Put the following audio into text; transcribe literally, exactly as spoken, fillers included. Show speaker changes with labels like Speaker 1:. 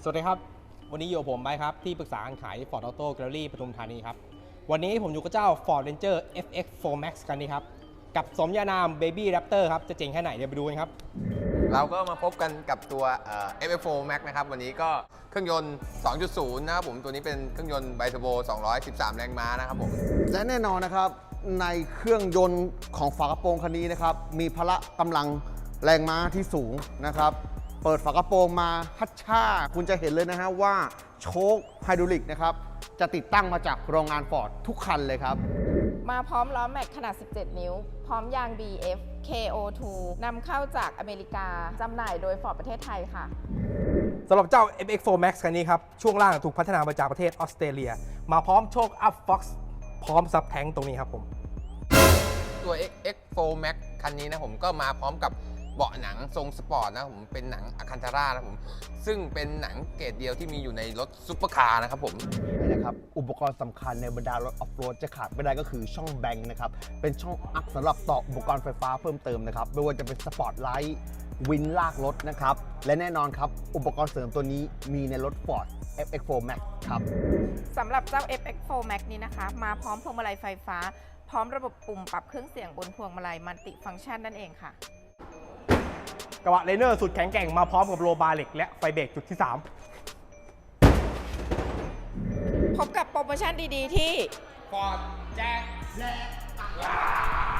Speaker 1: สวัสดีครับวันนี้อยู่ผมไบครับที่ปรึกษาการขาย Ford Auto Gallery ปทุมธานีครับวันนี้ผมอยู่กับเจ้า Ford Ranger เอฟ เอ็กซ์ โฟร์ Max คันนี้ครับกับสมญานาม Baby Raptor ครับจะเจ๋งแค่ไหนเดี๋ยวไปดูกันครับ
Speaker 2: เราก็มาพบกันกับตัว เอฟ เอ็กซ์ โฟร์ Max นะครับวันนี้ก็เครื่องยนต์ สองจุดศูนย์ นะครับผมตัวนี้เป็นเครื่องยนต์ไบเทอร์โบสองร้อยสิบสามแรงม้านะครับผม
Speaker 3: และแน่นอนนะครับในเครื่องยนต์ของฝากระโปรงคันนี้นะครับมีพละกำลังแรงม้าที่สูงนะครับเปิดฝากระโปรงมาฮัชชาคุณจะเห็นเลยนะฮะว่าโชคไฮดรอลิกนะครับจะติดตั้งมาจากโรงงานฟอร์ดทุกคันเลยครับ
Speaker 4: มาพร้อมล้อแม็กขนาด สิบเจ็ด นิ้ว พร้อมยาง บี เอฟ เค โอ ทู นำเข้าจากอเมริกาจำหน่ายโดยฟอร์ดประเทศไทยค่ะ
Speaker 1: สำหรับเจ้า เอฟ เอ็กซ์ โฟร์ Max คันนี้ครับช่วงล่างถูกพัฒนามาจากประเทศออสเตรเลียมาพร้อมโชค Up Fox พร้อมซับแท้งตรงนี้ครับผม
Speaker 2: ตัว เอ็กซ์ โฟร์ Max คันนี้นะผมก็มาพร้อมกับเบาะหนังทรงสปอร์ตนะผมเป็นหนังอะคันธารานะผมซึ่งเป็นหนังเกรดเดียวที่มีอยู่ในรถซุปเปอร์คาร์นะครับผม
Speaker 3: นะครับอุปกรณ์สำคัญในบรรดารถออฟโรดจะขาดไม่ได้ก็คือช่องแบงค์นะครับเป็นช่องอักสำหรับต่ออุปกรณ์ไฟฟ้าเพิ่มเติมนะครับไม่ว่าจะเป็นสปอร์ตไลท์วินลากรถนะครับและแน่นอนครับอุปกรณ์เสริมตัวนี้มีในรถ Ford เอฟ เอ็กซ์ โฟร์ Max ครับ
Speaker 4: สำหรับเจ้า เอฟ เอ็กซ์ โฟร์ Max นี้นะคะมาพร้อมพวงมาลัยไฟฟ้าพร้อมระบบปุ่มปรับเครื่องเสียงบนพวงมาลัยมัลติฟังก์ชันนั่นเองค่ะ
Speaker 1: กระบะเลเนอร์สุดแข็งแกร่งมาพร้อมกับโลบาร์เหล็กและไฟเบรกจุดที่สาม
Speaker 4: พบกับโปรโมชั่นดีๆที่
Speaker 1: Ford แจ้งและ